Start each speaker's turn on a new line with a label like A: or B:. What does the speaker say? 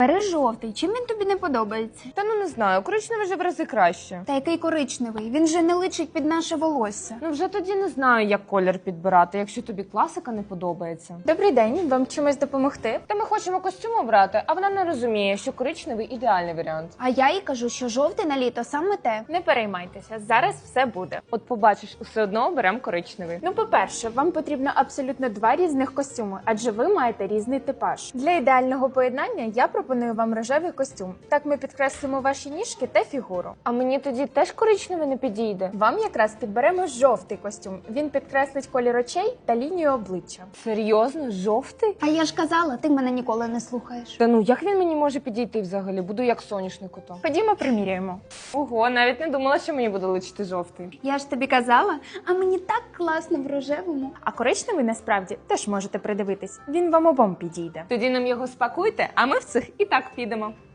A: Бери жовтий. Чим він тобі не подобається?
B: Та ну не знаю, коричневий вже в рази краще.
A: Та який коричневий? Він же не личить під наше волосся.
B: Ну вже тоді не знаю, як колір підбирати, якщо тобі класика не подобається.
C: Добрий день, вам чимось допомогти?
B: Та ми хочемо костюм обрати, а вона не розуміє, що коричневий ідеальний варіант.
A: А я їй кажу, що жовтий на літо саме те.
C: Не переймайтеся, зараз все буде.
B: От побачиш, усе одно оберемо коричневий.
C: Ну, по-перше, вам потрібно абсолютно два різних костюми, адже ви маєте різний типаж. Для ідеального поєднання я пропоную вам рожевий костюм. Так ми підкреслимо ваші ніжки та фігуру.
B: А мені тоді теж коричневий не підійде.
C: Вам якраз підберемо жовтий костюм. Він підкреслить колір очей та лінію обличчя.
B: Серйозно? Жовтий?
A: А я ж казала, ти мене ніколи не слухаєш.
B: Та ну як він мені може підійти взагалі? Буду як соняшник ото.
C: Ходімо, приміряємо.
B: Ого, навіть не думала, що мені буде личити жовтий.
A: Я ж тобі казала, а мені так класно в рожевому.
C: А коричневий насправді теж можете придивитись. Він вам обом підійде.
B: Тоді нам його спакуйте, а ми в цих і так підемо.